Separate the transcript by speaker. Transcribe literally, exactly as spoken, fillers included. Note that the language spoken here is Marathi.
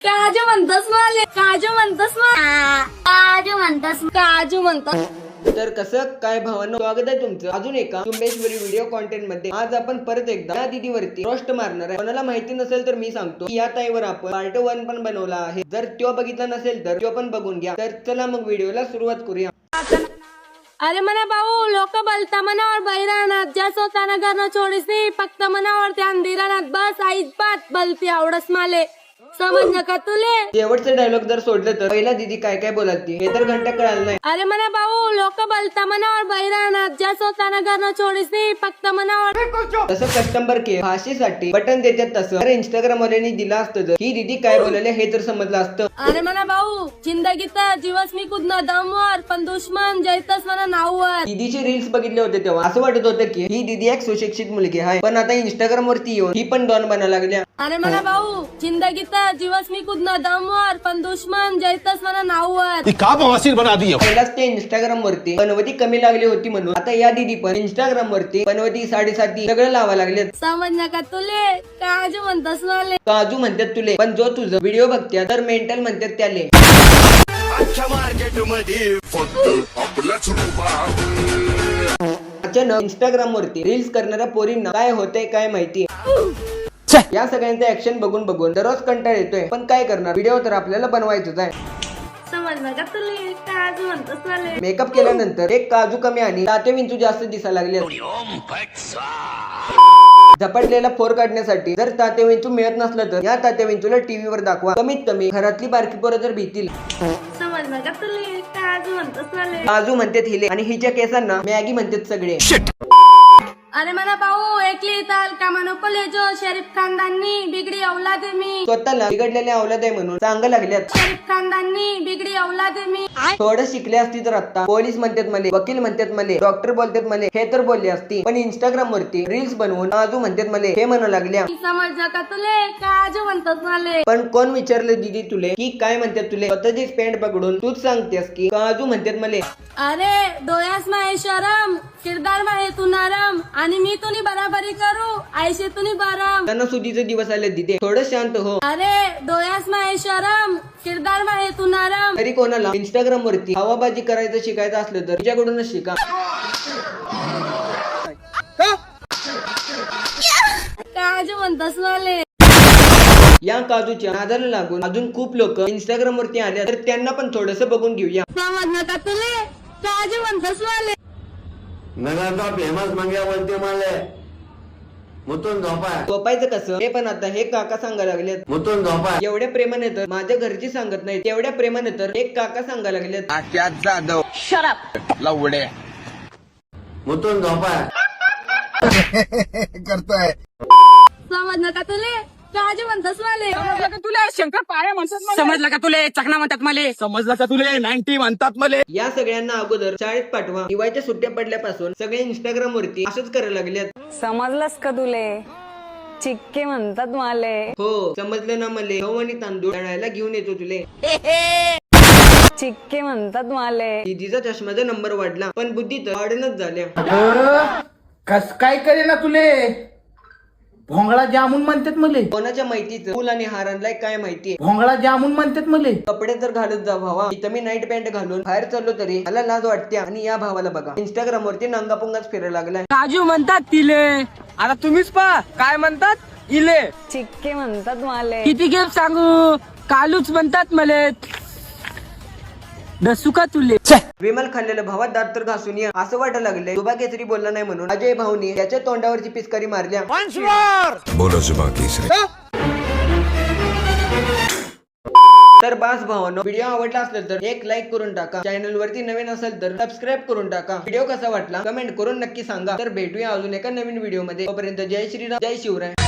Speaker 1: काजू म्हणतस माले काजू म्हणतस काजू म्हणतस काजू म्हणतस.
Speaker 2: तर कसं काय भावांनो, स्वागत आहे तुमचं अजून एका चुंबेश्वरी व्हिडिओ कॉन्टेंट मध्ये. आज आपण परत एकदा या दीदीवरती रोस्ट मारणार आहे. कोणाला माहिती नसेल तर मी सांगतो की या ताईवर आपण पार्ट वन पण बनवला आहे. जर तो बघितला नसेल तर तो पण बघून घ्या. तर चला मग व्हिडिओला सुरुवात करूया.
Speaker 1: अरे मना भाऊ, लोक बोलता मनावर बैरानात ज्या स्वतःना घरनं छोडीस नाही, फक्त मनावर त्या अंधिरानात बस आईच बात बलती आवडस माले. समज का तुले?
Speaker 2: शेवटचं डायलॉग जर सोडलं तर पहिला दीदी काय काय बोलाती हे तर घंटा कळालं नाही.
Speaker 1: अरे मना भाऊ, लोक बोलता मनावर बैरानात ज्या स्वतःना घरनं छोडीस नाही, फक्त मनावर.
Speaker 2: तसं कस्टमर केअर भाषेसाठी बटन देतात तसं तर इंस्टाग्राम वाल्यांनी दिला असतं जर ही दीदी काय बोलायला हे तर समजलं असतं.
Speaker 1: अरे मना भाऊ, जिंदगीत जीवस मी कुदन दमवर पण दुश्मन जैतस मना नाववर.
Speaker 2: दीदीचे रील्स बघितले होते तेव्हा असं वाटत होतं की ही दीदी एक सुशिक्षित मुलगी आहे, पण आता इंस्टाग्राम वरती येऊन ही पण डॉन बनायला लागल्या.
Speaker 1: अरे मना भाऊ, जिंदगीत जीवस मी कुदन दमवर पण दुश्मन जैतस मना नाववर.
Speaker 3: का बवासीर बना दी.
Speaker 2: पहिलाच ते इंस्टाग्राम वरती पनवती कमी लागली होती म्हणून आता या दीदी पण इंस्टाग्राम वरती पनवती साडेसाती सगळं लावा लागले.
Speaker 1: समज का तुले? काजू म्हणतस माले
Speaker 2: काजू म्हणतात तुले, पण जो तुझं व्हिडिओ बघत्या तर मेंटल म्हणतात त्याले. अचानक इंस्टाग्राम वरती रील्स करणाऱ्या पोरींना काय होतंय काय माहिती. या सगळ्यांचं ऍक्शन बघून बघून दररोज कंटाळ येतोय, पण काय करणार, व्हिडिओ तर आपल्याला बनवायचंच आहे.
Speaker 1: समज का तुले? काजू म्हणतस माले.
Speaker 2: मेकअप केल्यानंतर एक काजू कमी आणि दाते विंचू जास्त दिसायला लागले. झपटलेला फोर काढण्यासाठी जर ताते विंचू मिळत नसलं तर या ताते विंचूला टीव्हीवर दाखवा. कमीत कमी घरातली बारकी पोरं तर भीतील.
Speaker 1: समज का तुले? काजू म्हणतस माले.
Speaker 2: काजू म्हणतात हिले आणि हिच्या केसांना मॅगी म्हणतात सगळे.
Speaker 1: अरे मना भाऊ, एकली ताल का नको लेजो शरीफ खानदानी बिगडी औलाद मी.
Speaker 2: स्वतःला बिघडलेल्या औलाद आहे म्हणून सांगा लागल्यात.
Speaker 1: शरीफ खानदानी बिगडी औलाद मी.
Speaker 2: थोडं शिकले असती तर आता पोलीस म्हणतात मले, वकील म्हणतात मले, डॉक्टर बोलतात मले हे तर बोलली असती, पण इंस्टाग्राम वरती रील्स बनवून काजू म्हणतात मले हे म्हणू लागल्या.
Speaker 1: समज का तुले? काजू म्हणतस माले.
Speaker 2: पण कोण विचारलं दीदी तुले की काय म्हणतात तुले? स्वतःची पेंट पकडून तूच सांगतेस की काजू म्हणतात मले.
Speaker 1: अरे डोळ्यास माहे शरम, किरदार माहे तू नरम, आणि मी तुनी बराबरी करू आयशे तुनी बरम.
Speaker 2: त्यांना सुधीचे दिवस आले दीदी, थोडं शांत हो.
Speaker 1: अरे डोळ्यास माहे शरम, किरदार माहे तू नरम.
Speaker 2: तरी कोणाला इंस्टाग्राम वरती हवाबाजी करायचं शिकायचं असलं तर तिच्याकडूनच शिका.
Speaker 1: काजू म्हणतस माले.
Speaker 2: या काजूच्या नादाला लागून अजून खूप लोक इंस्टाग्राम वरती आल्या तर त्यांना पण थोडस बघून घेऊया.
Speaker 1: समज का तुले? काजू म्हणतस माले.
Speaker 4: नगरचा फेमस मंग्या बोलते मला मुतून झोपाय.
Speaker 2: झोपायचं कसं हे पण आता हे काका सांगायला लागलेत.
Speaker 4: मुतून झोपाय.
Speaker 2: एवढ्या प्रेमाने तर माझ्या घरची सांगत नाही, तेवढ्या प्रेमाने तर एक काका सांगायला लागलेत.
Speaker 4: मुतून झोपाय.
Speaker 3: करताय
Speaker 1: समज का तुले? काजू म्हणतस माले.
Speaker 5: समजलं का तुले? शंकर पाळ्या म्हणतात. समजलं का तुले? चकना म्हणतात मले.
Speaker 3: समजलं का तुले? नाईन्टी म्हणतात मले.
Speaker 2: या सगळ्यांना अगोदर शाळेत पाठवा. दिवाळीच्या सुट्ट्या पडल्यापासून सगळे इंस्टाग्राम वरती असंच करायला लागलेत.
Speaker 6: समजलंस का तुले? चिक्के म्हणतात माले.
Speaker 2: हो समजलं ना मले. गहू आणि तांदूळ दळायला घेऊन येतो तुले.
Speaker 6: चिक्के म्हणतात माले.
Speaker 2: दीदीचा चष्म्याचा नंबर वाढला पण बुद्धी तर वाढणच झाल्या.
Speaker 7: कस काय करे ना तुले? भोंगळा जामून म्हणतात मले.
Speaker 2: कोणाच्या माहितीचं फुल आणि हार आणलाय काय माहिती.
Speaker 7: भोंगळा जामून म्हणतात मले.
Speaker 2: कपडे तर घालत जा भावा. इथं मी नाईट पॅन्ट घालून बाहेर चाललो तरी मला लाज वाटते आणि या भावाला बघा इंस्टाग्राम वरती नांगापुंगाच फिरायला लागलाय.
Speaker 5: काजू म्हणतात तिले. आता तुम्हीच पहा काय म्हणतात इले.
Speaker 6: चिक्के म्हणतात माले.
Speaker 5: किती गेम सांगू? कालूच म्हणतात मले. डसू का तुले?
Speaker 2: विमल खाल्लेलं भावात दात तर घासून या असं वाटायला लागलंय. दुबा केसरी बोलला नाही म्हणून अजय भाऊनी त्याच्या तोंडावरची पिचकारी मारल्या.
Speaker 3: बोलो जुबा केसरी.
Speaker 2: तर बास भावांनो, व्हिडिओ आवडला असेल तर एक लाईक करून टाका. चॅनल वरती नवीन असेल तर सबस्क्राईब करून टाका. व्हिडिओ कसा वाटला कमेंट करून नक्की सांगा. तर भेटूया अजून एका नवीन व्हिडिओ मध्ये. तोपर्यंत जय श्रीराम, जय शिवराय.